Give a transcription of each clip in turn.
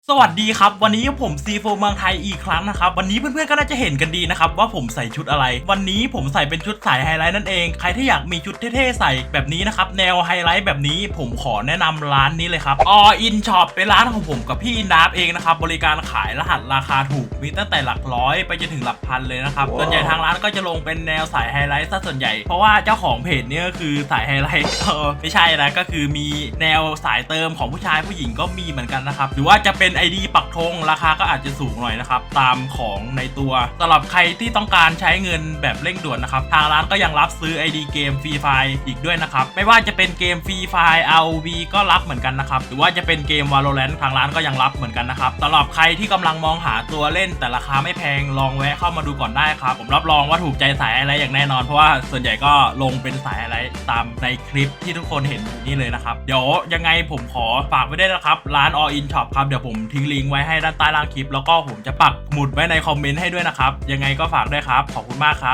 สวัสดีครับวันนี้ผมซีโฟเมืองไทยอีกครั้งนะครับวันนี้เพื่อนๆก็น่าจะเห็นกันดีนะครับว่าผมใส่ชุดอะไรวันนี้ผมใส่เป็นชุดสายไฮไลท์นั่นเองใครที่อยากมีชุดเท่ๆใส่แบบนี้นะครับแนวไฮไลท์แบบนี้ผมขอแนะนำร้านนี้เลยครับ All In Shop เป็นร้านของผมกับพี่อินดับเองนะครับบริการขายรหัสราคาถูกมีตั้งแต่หลักร้อยไปจนถึงหลักพันเลยนะครับส่วนใหญ่ทางร้านก็จะลงเป็นแนวสายไฮไลท์ซะส่วนใหญ่เพราะว่าเจ้าของเพจเนี่ยก็คือสายไฮไลท์ไม่ใช่นะก็คือมีแนวสายเติมของผู้ชายผู้หญิงก็มีเหมือนกันนะครับหรือว่าจะเป็น ID ปักธงราคาก็อาจจะสูงหน่อยนะครับตามของในตัวสำหรับใครที่ต้องการใช้เงินแบบเร่งด่วนนะครับทางร้านก็ยังรับซื้อ ID เกมฟรีไฟล์อีกด้วยนะครับไม่ว่าจะเป็นเกมฟรีไฟล์ ROV ก็รับเหมือนกันนะครับหรือว่าจะเป็นเกม Valorant ทางร้านก็ยังรับเหมือนกันนะครับสำหรับใครที่กำลังมองหาตัวเล่นแต่ราคาไม่แพงลองแวะเข้ามาดูก่อนได้ครับผมรับรองว่าถูกใจสายอะไรอย่างแน่นอนเพราะว่าส่วนใหญ่ก็ลงเป็นสายอะไรตามในคลิปที่ทุกคนเห็นนี่เลยนะครับเดี๋ยวยังไงผมขอฝากไว้ด้วยนะครับร้าน All In Shop ครับเดี๋ยวผมทิ้งลิงก์ไว้ให้ด้านใต้ล่างคลิปแล้วก็ผมจะปักหมุดไว้ในคอมเมนต์ให้ด้วยนะครับยังไงก็ฝากด้วยครับขอบคุณมากครับ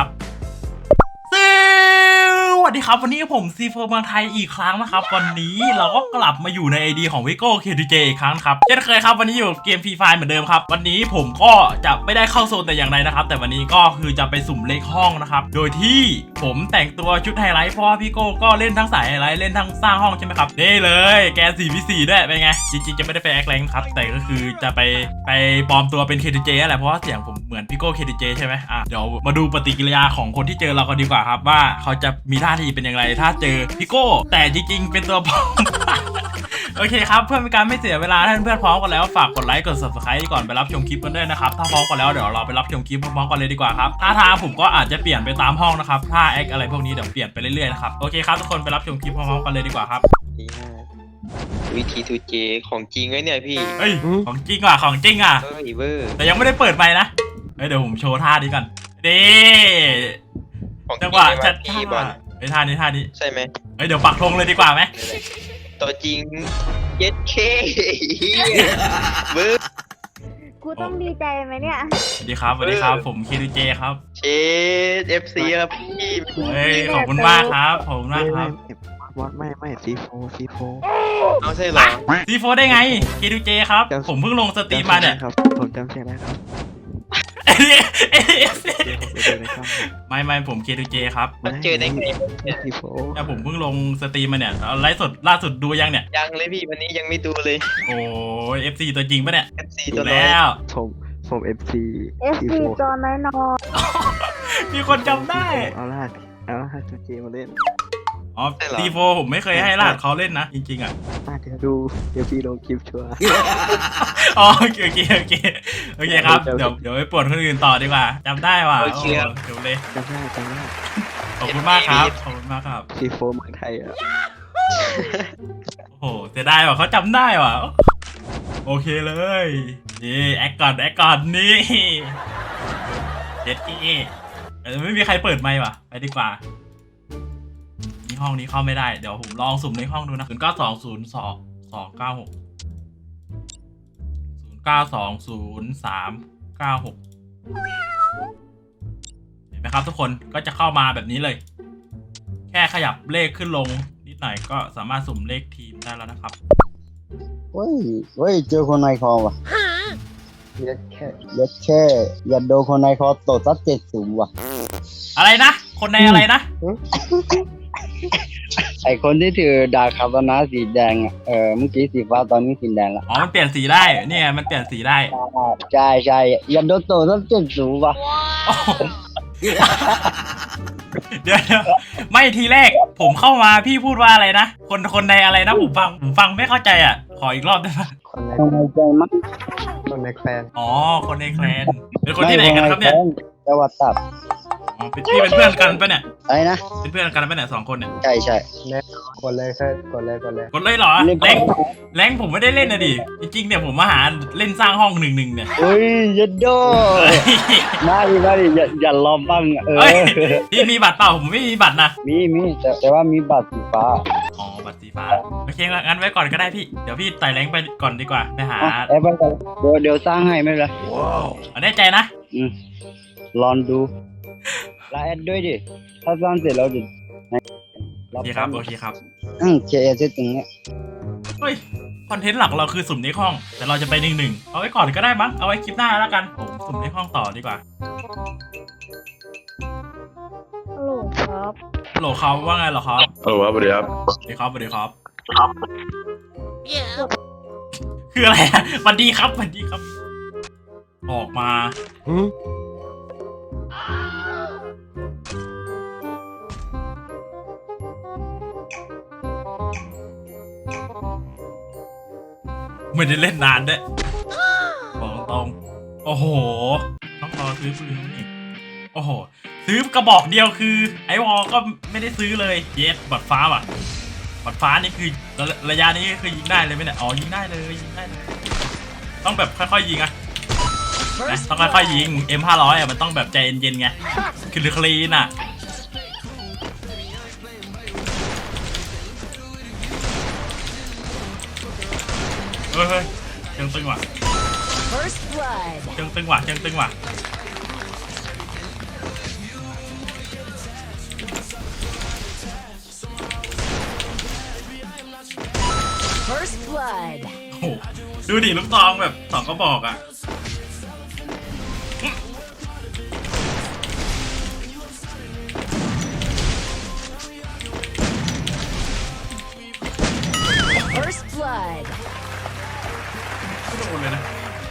สวัสดีครับวันนี้ผมซีโฟเมืองไทยอีกครั้งนะครับวันนี้เราก็กลับมาอยู่ใน ID ของวิโก้เคดีเจอีกครั้งครับเช่นเคยครับวันนี้อยู่เกมฟรีไฟเหมือนเดิมครับวันนี้ผมก็จะไม่ได้เข้าโซนแต่อย่างใดนะครับแต่วันนี้ก็คือจะไปสุ่มเลขห้องนะครับโดยที่ผมแต่งตัวชุดไฮไลท์เพราะว่าพี่โก้ก็เล่นทั้งสายไฮไลท์เล่นทั้งสร้างห้องใช่ไหมครับนี่เลยแกน 4v4 ด้วยเป็นไงจริงๆจะไม่ได้ไปแอคแรงครับแต่ก็คือจะไปปลอมตัวเป็นเคดีเจอะไรเพราะว่าเสียงผมเหมือนพี่โก้เคดีเจใช่ไหมเดี๋ยวมาดูปฏิกิริยาของคนที่เจอเรากันดีกว่าครับว่าเขาจะมีท่าทีเป็นอย่างไรถ้าเจอพี่โก้แต่จริงๆเป็นตัวปลอม โอเคครับเพื่อเป็นการไม่เสียเวลาท่านเพื่อนพร้อมกันแล้วฝากกดไลค์กด subscribe ก่อนไปรับชมคลิปกันด้วยนะครับถ้าพร้อมกันแล้วเดี๋ยวเราไปรับชมคลิปพร้อมๆกันเลยดีกว่าครับท่าทางผมก็อาจจะเปลี่ยนไปตามห้องนะครับท่าแอคอะไรพวกนี้เดี๋ยวเปลี่ยนไปเรื่อยๆนะครับโอเคครับทุกคนไปรับชมคลิปพร้อมๆกันเลยดีกว่าครับวิธีทูเจของจริงไว้เนี่ยพี่เฮ้ยของจริงว่ะของจริงอ่ะเฮ้ยเวอร์แต่ยังไม่ได้เปิดไมค์นะเดี๋ยวผมโชว์ท่านี้ก่อนดีจังหวะชัดท่าไอ้ท่านี้ใช่ไหมเดี๋ยวปักธงเลยดีกว่าไหมตัวจริงเย็ดเคเวอร์กูต้องดีใจไหมเนี่ยสวัสดีครับผมเคดีเจครับเชดเอฟซีครับพี่ขอบคุณมากครับขอบคุณมากครับวอดไม่ซีโฟเอาใช่เหรอซีโฟได้ไงเคดีเจครับผมเพิ่งลงสตรีมมาเนี่ยครับผมจำเสียงได้ครับไม่ผมเคดีเจครับมันเจอได้ไงซีโฟแต่ผมเพิ่งลงสตรีมมาเนี่ยไลฟ์สดล่าสุดดูยังเนี่ยยังเลยพี่วันนี้ยังไม่ดูเลยโอ้ย FC ตัวจริงปะเนี่ย FC ดูตัวน้อยแล้วผมFC จอน้อยนอมีคนจำได้เอาล่ะจูเจมาเล่นซีโฟผมไม่เคยให้รหัสเขาเล่นนะจริงๆอ่ะเดี๋ยวพี่ลงคลิปชัวร์โอเคครับเดี๋ยวไปปวดคนอื่นต่อดีกว่าจำได้ว่ะเดี๋ยวเลยจำได้ขอบคุณมากครับซีโฟเมืองไทยอ่ะโอ้โหเสียดายว่ะเขาจำได้ว่ะโอเคเลยนี่แอคก่อนนี่เจ็ดกี้ไม่มีใครเปิดไมค์ว่ะไปดีกว่านี่ห้องนี้เข้าไม่ได้เดี๋ยวผมลองสุ่มในห้องดูนะ09202296 09203996เห็นไหมครับทุกคนก็จะเข้ามาแบบนี้เลยแค่ขยับเลขขึ้นลงนิดหน่อยก็สามารถสุ่มเลขทีมได้แล้วนะครับเฮ้ยเจอคนในคอว่ะยัดแค่อย่าโดนคนในคอตดซัด70ว่ะอะไรนะคนในอะไรนะไอคนที่ถือดาบคาตานะสีแดงเมื่อกี้สีฟ้าตอนนี้สีแดงละมันเปลี่ยนสีได้เนี่ยมันเปลี่ยนสีได้ใช่อย่าโดนตดซัด70ว่ะเดี๋ยวไม่ทีแรกผมเข้ามาพี่พูดว่าอะไรนะคนในอะไรนะผมฟังไม่เข้าใจอ่ะขออีกรอบได้ไหมคนในใจมั้งคนในแคลนคนในแคลนเป็นคนที่ไหนกันครับเนี่ยจังหวัดตากพี่เป็นเพื่อนกันปะเนี่ยอะไรนะเป็นเพื่อนกันปะเนี่ย2 คนเนี่ยใช่กดเลยเหรอแรงผมไม่ได้เล่นนะดิจริงๆเนี่ยผมมาหาเล่นสร้างห้อง1-1เนี่ยเฮ้ยยัดโดมาดิอย่าล้อมบ้างพี่มีบัตรเปล่าผมไม่มีบัตรนะมีแต่ว่ามีบัตรสีฟ้าบัตรสีฟ้าโอเคงั้นไว้ก่อนก็ได้พี่เดี๋ยวพี่ไต่แรงไปก่อนดีกว่าไปหาไปก่อนเดี๋ยวสร้างให้ไม่เป็นไรแน่ใจนะลองดูไลน์ด้วยดิถ้าสร้างเสร็จแล้วดิโอเคครับเคเสร็จตรงนี้เฮ้ยคอนเทนต์หลักเราคือสุ่มในห้องแต่เราจะไป1-1เอาไว้ก่อนก็ได้มั้งเอาไว้คลิปหน้าแล้วกันผมสุ่มในห้องต่อดีกว่าฮัลโหลครับโหลเขาว่าไงเหรอครับเออครับสวัสดีครับสวัสดีครับสวัสดีครับคืออะไรอะสวัสดีครับสวัสดีครับ ออกมาไม่ได้เล่นนานด้วยบอกตรงโอ้โหต้องรอซื้อปืนนี่โอ้โหซื้อกระบอกเดียวคือไอวอลก็ไม่ได้ซื้อเลยเยสบัตรฟ้าว่ะบัตรฟ้านี่คือระยะนี้คือยิงได้เลยไหมเนี่ยอ๋อยิงได้เลยยิงได้เลยต้องแบบค่อยๆยิงอะนะต้องค่อยๆยิง M500อะมันต้องแบบใจเย็นๆไงคือคลีนอะเฮ้ยเชิงตึงว่ะ First blood. เชิงตึงว่ะเชิงตึงว่ะ First blood. โอ้โหดูดิลูกตองแบบ2กระบอกอ่ะ First blood. ไม่โดนเลยนะ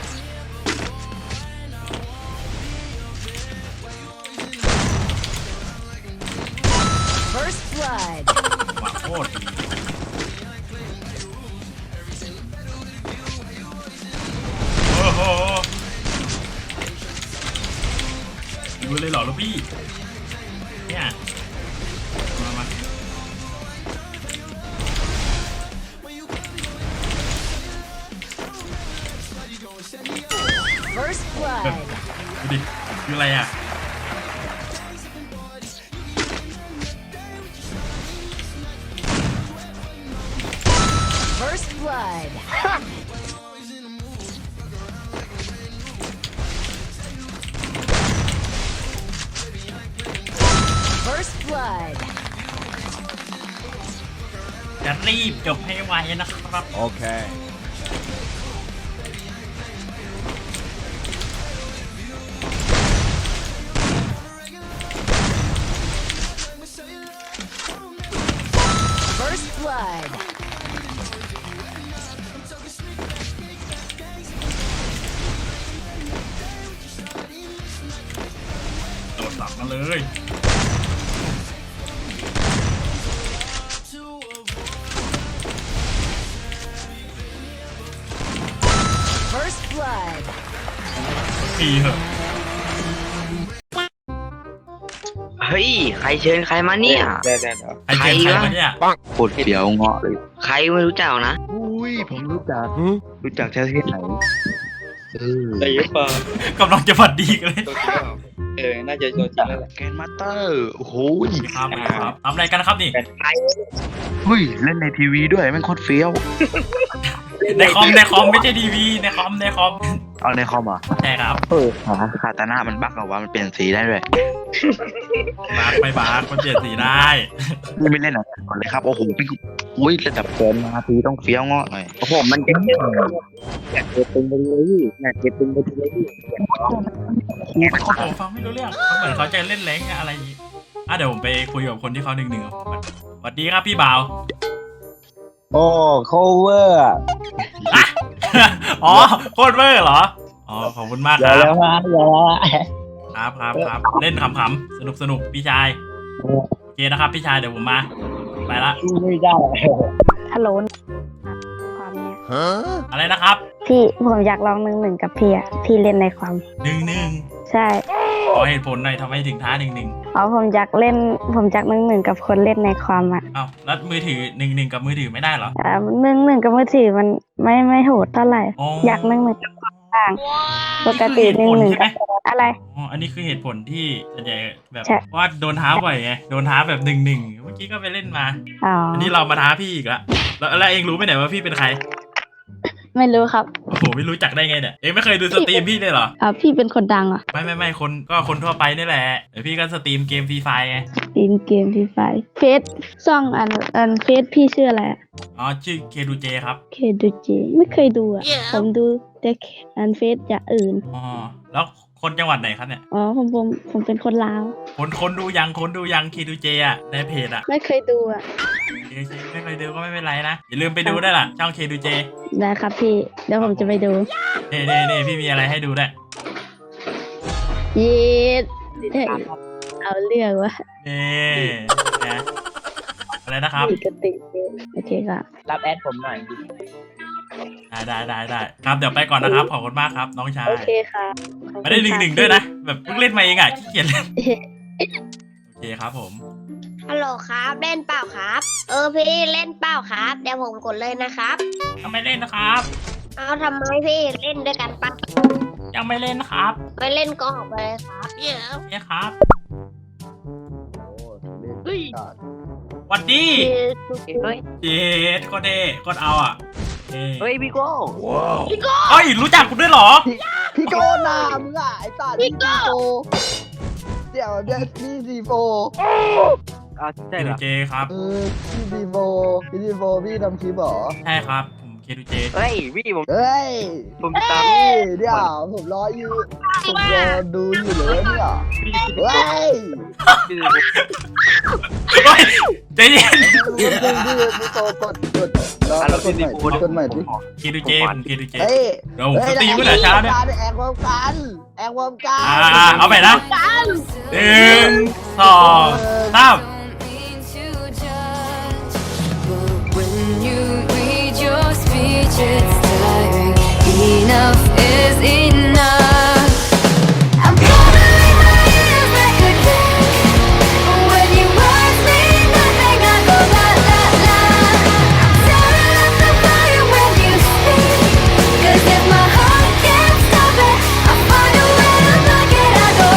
First blood. หวาโคตรดีโอ้โหดูเลยเหรอลูกพี่เนี่ยมา First แบบ blood. ดูดิคืออะไรอ่ะ First blood. First blood. จะรีบจบให้ไวนะครับ Okay. First blood. โดดสับมาเลย First blood. ตีเหอะเฮ้ยใครเชิญใครมาเนี่ยได้ไอเจนใครวะเนี่ยโคตรเฟี้ยวเงาะเลยใครไม่รู้จักนะอุ้ยผมรู้จักรู้จักแค่ที่ไหนได้ยุปะกำลังจะฝัดดีกันเลยตัวจริงน่าจะตัวจริงแล้วแหละแกนมาสเตอร์โอ้โหครับครับทำอะไรกันนะครับนี่เฮ้ยเล่นในทีวีด้วยแม่งโคตรเฟี้ยวในคอมไม่ใช่ทีวีในคอมเอาในคอมเหรอใช่ครับคาตาน่ามันบั๊กเหรอวะมันเปลี่ยนสีได้ด้วยบาร์ไม่บาร์คนเปลี่ยนสีได้นี่ไม่เล่นหน่อยก่อนเลยครับโอ้โหพี่อุ้ยระดับแกนมาทีต้องเฟี้ยวเงาะหน่อยโอ้โหมันจะอยากเก็บตึงไปเลยอยากเก็บตึงไปเลยผมฟังไม่รู้เรื่องเขาเหมือนเขาจะเล่นแรงค์อะไรอย่างงี้เดี๋ยวผมไปคุยกับคนที่เขา1-1กับผมก่อนสวัสดีครับพี่บ่าวโอ้ cover อะอ๋อโคตรเวอร์เหรออ๋อขอบคุณมากอคย่ารับแล้วนะอย่าแล้วครับเล่นขำๆสนุกพี่ชายโอเคนะครับพี่ชายเดี๋ยวผมมาไปละไม่ได้ฮัลโหลความเนี่ยอะไรนะครับพี่ผมอยากลอง1-1กับพี่อะพี่เล่นในความ 1-1 ใช่ขอเหตุผลหน่อยทำไมถึงท้า1-1 เอาผมอยาก1-1กับคนเล่นในความอะอ้าวแล้วมือถือ1-1กับมือถือไม่ได้เหรอ 1-1กับมือถือมันไม่โหดเท่าไหร่อ๋ออยาก1-1กับคนต่างปกตินี่คือเหตุผลใช่ไหม 1-1กับอะไรอ๋ออันนี้คือเหตุผลที่ส่วนใหญ่แบบใช่ว่าโดนท้าบ่อยไงโดนท้าแบบ1-1เมื่อกี้ก็ไปเล่นมาอ๋ออันนี้เรามาท้าพี่อีกแล้วเองรู้ไหมเนี่ยว่าพี่เป็นใครไม่รู้ครับโอ้โหไม่รู้จักได้ไงเนี่ยเองไม่เคยดูสตรีมพี่เลยเหรอพี่เป็นคนดังอ่ะไม่คนทั่วไปนี่แหละเดี๋ยวพี่ก็สตรีมเกมฟรีไฟไงตีนเกมที่ไฟเฟซซ่องอันเฟซพี่ชื่ออะไรอะอ๋อชื่อเคดูเจครับเคดูเจไม่เคยดูอ่ะ ผมดูแต่อันเฟซอย่างอื่นอ๋อแล้วคนจังหวัดไหนครับเนี่ยอ๋อผมเป็นคนลาวคนดูยังเคดูเจอ่ะในเพจอ่ะไม่เคยดูอ่ะไม่เคยดูก็ไม่เป็นไรนะอย่าลืมไปดูได้ล่ะช่องเคดูเจได้ครับพี่ เดี๋ยวผมจะไปดูนี่พี่มีอะไรให้ดูด้วยเย็ดเฮ้ยเอาเรื่องวะนี่นะอะไรนะครับปกติโอเคครับรับแอดผมหน่อยดิได้ครับเดี๋ยวไปก่อนนะครับขอบคุณมากครับน้องชายโอเคครับขอบคุณไม่ได้หนึ่งด้วยนะแบบเพิ่งเล่นมาเองอ่ะขี้เกียจเล่นค่ะโอเคครับผมฮัลโหลครับเล่นเปล่าครับ พี่เล่นเปล่าครับเดี๋ยวผมกดเลยนะครับยังไม่เล่นนะครับเอาทำไมพี่เล่นด้วยกันปะยังไม่เล่นนะครับไม่เล่นก็ออกไปเลยครับเนี่ยครับเฮ้ยหวัดดีเฮ้ยเจ็ดก็เด้ก็เอาอ่ะเฮ้ยพี่โก้เฮ้ยรู้จักคุณด้วยเหรอพี่โก้หนามึงอ่ะไอ้สัตว์พี่โก้เดี๋ยวเดี๋ยวพี่ซีโฟใช่เหรอเจครับพี่ซีโฟพี่ทำคลิปเหรอใช่ครับผมเคดูเจเฮ้ยพี่ผมเฮ้ยผมตามพี่เดี๋ยวผมรออยู่ผมรอดูอยู่เลยเนี่ยเฮ้ยชื่อเฮ้ยใจเย็นพี่โตกดรอแล้วกดใหม่กดใหม่ดิเคดูเจผมเคดูเจเฮ้ยเดี๋ยวผมสตรีมเมื่อไหร่เช้าเนี่ยแอกพร้อมกันแอกพร้อมกันเอาไปนะ1 2 3 When you read your speech, it's tiring. Enough is enough. I'm gonna leave my ears like a kick. When you ask me nothing, I go la la la. I'm tearing up the fire when you speak. 'Cause if my heart can't stop it, I'll find a way to block it. I go.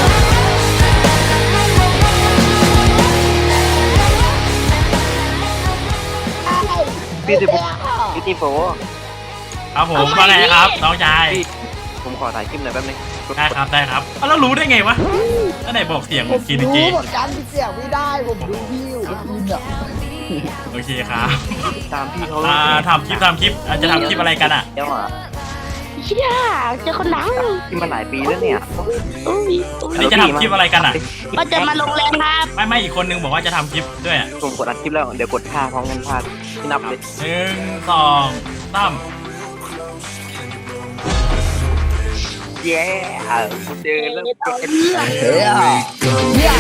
พี่สิบพี่ตีโฟครับผมว่าไงครับน้องชายผมขอถ่ายคลิปหน่อยแป๊บนึงได้ครับแล้วรู้ได้ไงวะแล้วไหนบอกเสียงผมเคดูรู้เจเหมือนกันที่เสียงไม่ได้ผมดูพี่อยู่กับพี่เนี่ยโอเคครับตามพี่เขาทำคลิปจะทำคลิปอะไรกันอ่ะเดี๋ยวอ่ะเชี่ยเจอคนดังที่มาหลายปีแล้วเนี่ยอันนี้จะทำคลิปอะไรกันอ่ะก็จะมาลงแรงครับไม่อีกคนนึงบอกว่าจะทำคลิปด้วยอ่ะผมกดอัดคลิปแล้วเดี๋ยวกดท่าพร้อมกันท่าที่นับเลย 1 2 3 เย้เจอแล้วเฮ้ย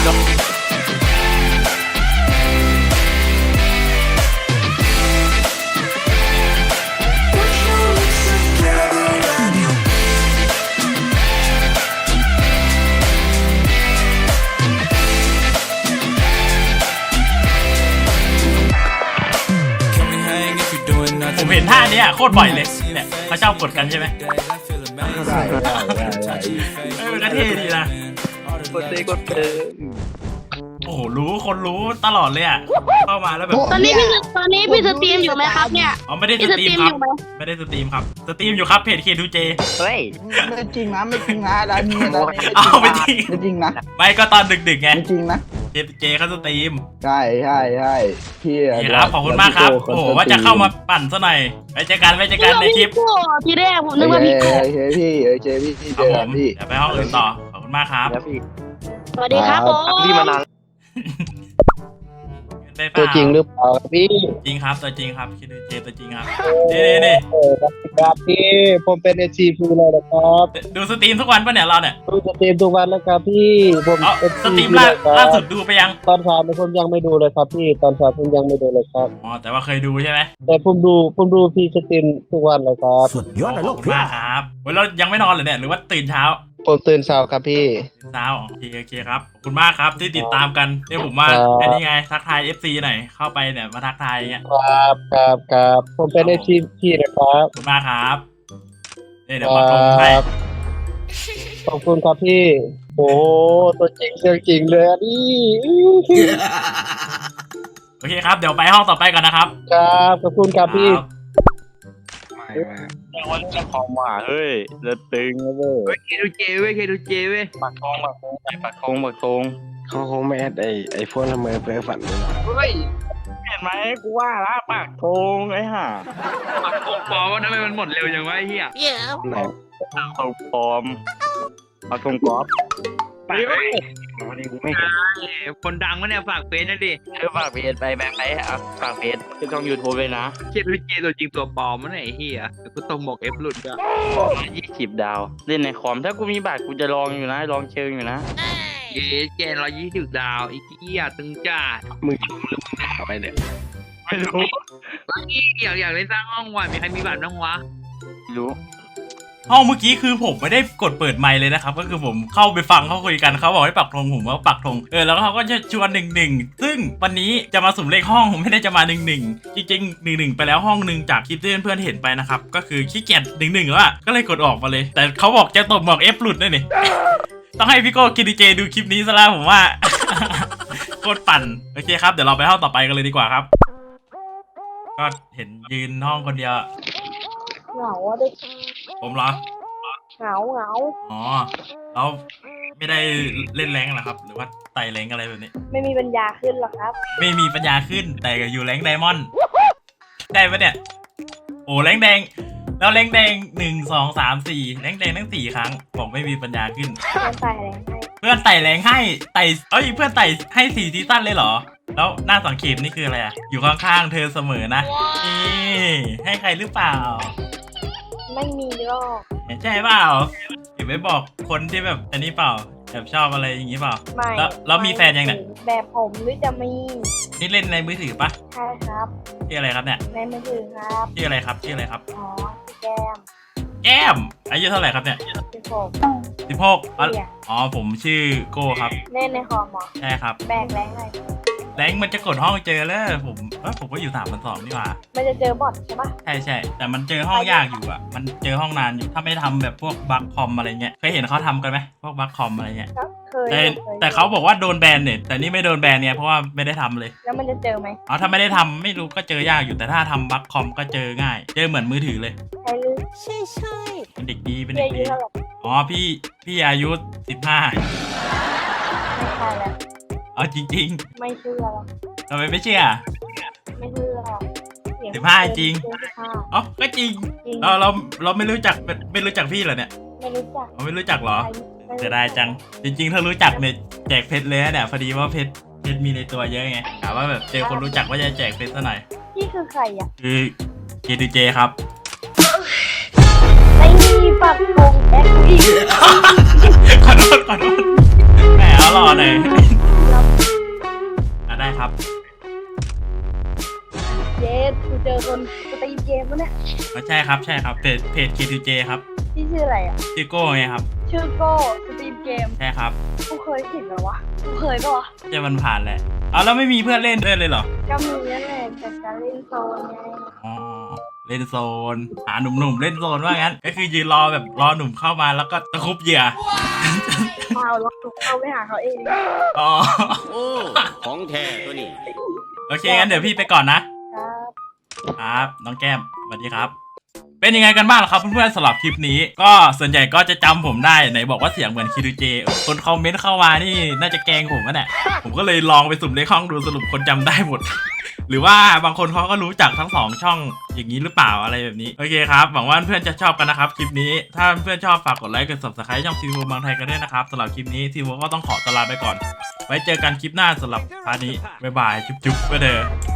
ผมเห็นท่าเนี้ยโคตรบ่อยเลยเนี่ยเขาชอบกดกันใช่ไหมใช่มันก็เท่ดีนะกดเลยกดโอ้โหคนรู้ตลอดเลยอ่ะเข้ามาแล้วแบบตอนนี้พี่สตรีมอยู่ไหมครับเนี่ยอ๋อไม่ได้สพี่สตตรีรีมมคอรับยู่ไหมไม่ได้สตรีมครับสตรีมอยู่ครับเพจ K2J เฮ้ยไม่จริงนะไม่จริงนะร้านนี้นะอ้าวไม่จริงไม่จริงนะไม่ก็ตอนดึกๆไงไม่จริงนะ K2J เขาสตรีมใช่พี่นี่ครับขอบคุณมากครับโอ้โหว่าจะเข้ามาปั่นซะหน่อยไว้เจอกันในคลิปทีแรกผมนึกว่าพี่โก้เฮ้ยพี่เจพี่คเจรับอผกัมนพี่เดี๋ยวไปห้องอื่นต่อขอบคุณมากครับแล้วพี่สวัสดีครับผมพี่มานานตัวจริงหรือพี่จริงครับตัวจริงครับ K2J ตัวจริงครับนี่ครับพี่ผมเป็นเอชีพีเลยนะครับดูสตรีมทุกวันปะเนี่ยเราเนี่ยดูสตรีมทุกวันแล้วครับพี่ผมเอาเป็นสตรีมล่าสุดดูไปยังตอนเช้าผมยังไม่ดูเลยครับพี่ตอนเช้าผมยังไม่ดูเลยครับอ๋อแต่ว่าเคยดูใช่ไหมแต่ผมดูพี่สตรีมทุกวันเลยครับขอบคุณมากครับวันเรายังไม่นอนเลยเนี่ยหรือว่าตื่นเช้าผมตื่นเช้าครับพี่เช้าโอเคครับขอบคุณมากครับที่ติดตามกันเนี่ยผมมาครับไอ้นี่ไงทักทาย FC หน่อยเข้าไปเนี่ยมาทักทายอย่างเงี้ยครับผมเป็นเอชีพีนะครับขอบคุณมากครับเดี๋ยวมาลงให้ขอบคุณครับพี่โอ้ตัวจริงเสียงจริงเลยอ่ะนี่โอเคครับเดี๋ยวไปห้องต่อไปก่อนนะครับครับขอบคุณครับพี่ครับวันนี้คอมว่ะเฮ้ยจะตึงแล้วเว้ยเฮ้ยเคดูเจเว้ยเคดูเจเว้ยปักธงเขาคงไม่แอดไอ้พวกละเมอเพ้อฝันเลยนะเฮ้ยเห็นไหมกูว่าละปักธงไอ้ห่าปักธงปลอมว่าทำไมมันหมดเร็วจังวะไอ้เหี้ยไหนธงปลอมปักธงกอล์ฟไปเว้ยวันนี้กูไม่เห็นคนดังวะเนี่ยฝากเฟซหนะดิฝากเพจไปแบงค์ไปอ่ะฝากเพจที่ช่อง YouTube เลยนะเคดูเจตัวจริงตัวปลอมวะเนี่ยไอ้เหี้ยเดี๋ยวกูตรงบอกเอฟหลุดก็ 20 ดาว เล่นในคอมถ้ากูมีบัตรกูจะลองอยู่นะลองเชิงอยู่นะเย้เจน120 ดาวไอ้เหี้ยตึงจ้ามึงชมหรือมึงด่าไปเนี่ยไม่รู้อยากเล่นสร้างห้องว่ะมีใครมีบัตรบ้างวะไม่รู้ห้องเมื่อกี้คือผมไม่ได้กดเปิดไมค์เลยนะครับก็คือผมเข้าไปฟังเขาคุยกันเขาบอกให้ปักธงผมก็ปักธงแล้วเขาก็จะชวน11ซึ่งวันนี้จะมาสุ่มเลขห้องผมไม่ได้จะมา11จริงๆ11ไปแล้วห้องหนึ่งจากคลิปที่เพื่อนๆเห็นไปนะครับก็คือขี้เกียจ11แล้วอะก็เลยกดออกมาเลย แต่เขาบอกจะตบหมอก F หลุดด้วยนี่ ต้องให้พี่โก้กินดีเจดูคลิปนี้ซะแล้วผมว่า โคตรปั่นโอเคครับเดี๋ยวเราไปห้องต่อไปกันเลยดีกว่าครับก็เห็นยืนห้องคนเดียวเหงาอะเด็กผมเหรอเหงาอ๋อแล้วไม่ได้เล่นแรงเหรอครับ หรือว่าไต่แรงอะไรแบบนี้ไม่มีปัญญาขึ้นหรอกครับไม่มีปัญญาขึ้นแต่อยู่แรงไดมอนด์ได้ปะเนี่ย โอ้แรงแดง แล้วแรงแดง1 2 3 4แรงแดงทั้ง4 ครั้งบอกไม่มีปัญญาขึ้นมันใส่อะไรให้เพื่อนไต่แรงให้ไต่เพื่อนไต่ให้4 ซีซั่นเลยเหรอ แล้วหน้าสังเกตนี่คืออะไรอ่ะ อยู่ข้างๆเธอเสมอนะนี่ให้ใครหรือเปล่าไม่มีหรอกใช่เปล่าเก็บไว้บอกคนที่แบบอันนี้เปล่าแบบชอบอะไรอย่างนี้เปล่าไม่แล้วมีแฟนยังเนี่ยแบบผมหรือจะมีนี่เล่นในมือถือปะใช่ครับชื่ออะไรครับเนี่ยในมือถือครับชื่ออะไรครับชื่ออะไรครับอ๋อแก้มแก้มอายุเท่าไหร่ครับเนี่ยคือผม 16 เนี่ยอ๋อผมชื่อโก้ครับเล่นในคอมเหรอใช่ครับแบกแรงอะไรแรงมันจะกดห้องเจอแล้วผมก็อยู่3,200นี่หว่ามันจะเจอบอทใช่ปะใช่แต่มันเจอห้องยากอยู่อ่ะมันเจอห้องนานอยู่ถ้าไม่ทำแบบพวกบัคคอมอะไรเงี้ยเคยเห็นเขาทำกันไหมพวกบัคคอมอะไรเงี้ยก็เคยแต่เขาบอกว่าโดนแบนเนี่ยแต่นี่ไม่โดนแบนเนี่ยเพราะว่าไม่ได้ทำเลยแล้วมันจะเจอไหมอ๋อถ้าไม่ได้ทำไม่รู้ก็เจอยากอยู่แต่ถ้าทำบัคคอมก็เจอง่าย เจอเหมือนมือถือเลยใช่หรือเป็นเด็กดีเป็นเจเด็อก อายุดีเท่าไหร่อ๋อพี่อายุ15 ไม่ใช่แล้วอ๋อจริงไม่เชื่อหรอกๆทำไมไม่เชื่อไม่เชื่อหรอกเสีย 15จริงเกิน15 อ๋อก็จริงจริงเราไม่รู้จักพี่เหรอเนี่ยไม่รู้จักเราไม่รู้จักเหรอไม่รู้จะได้จัง จริงๆ ถ้ารู้จักเนี่ยแจกเพชรเลยนะเนี่ยพอดีว่าเพชรมีในตัวเยอะไงถามว่าแบบเจอคนรู้จักว่าจะแจกเพชรซะหน่อยพี่คือใครอ่ะคือเจดูเจครับไอ้นี่ปักธงแอคอีกขอโทษแหมเอาหล่อหน่อยได้ครับเจสกูเจอคนสตรีมเกมวะเนี่ยใช่ครับเพจ K2J ครับพี่ชื่ออะไรอ่ะชื่อโก้ไงครับชื่อโก้สตรีมเกมใช่ครับกูเคยเห็นเหรอวะกูเคยปะวะจะมันผ่านแหละเอาแล้วไม่มีเพื่อนเล่นด้วยเลยเหรอก็มีนั่นแหละแต่การเล่นโซนไงอ๋อเล่นโซนหาหนุ่มๆเล่นโซนว่างั้นก็คือยืนรอแบบรอหนุ่มเข้ามาแล้วก็ตะครุบเหยื่อเปล่าแล้วกูเข้าไปหาเขาเองอ๋อโอ้ ของแท้ตัวนี้โอเคงั้นเดี๋ยวพี่ไปก่อนนะครับครับน้องแก้มสวัสดีครับ เป็นยังไงกันบ้างล่ะครับเพื่อนๆสำหรับคลิปนี้ ก็ส่วนใหญ่ก็จะจำผมได้ไหนบอกว่าเสียงเหมือนคิรูเจคนคอมเมนต์เข้ามานี่น่าจะแกล้งผมนะเนี่ยผมก็เลยลองไปสุ่มเลขห้องดูสรุปคนจำได้หมด หรือว่าบางคนเขาก็รู้จักทั้ง2ช่องอย่างนี้หรือเปล่าอะไรแบบนี้โอเคครับหวังว่าเพื่อนจะชอบกันนะครับคลิปนี้ถ้าเพื่อนชอบฝากกดไลค์กด Subscribe ช่องทีวีบางไทยกันด้วยนะครับสำหรับคลิปนี้ทีวีก็ต้องขอตัวลาไปก่อนไว้เจอกันคลิปหน้าสำหรับพาร์ทนี้บ๊ายบายจุ๊บๆไปเด้อ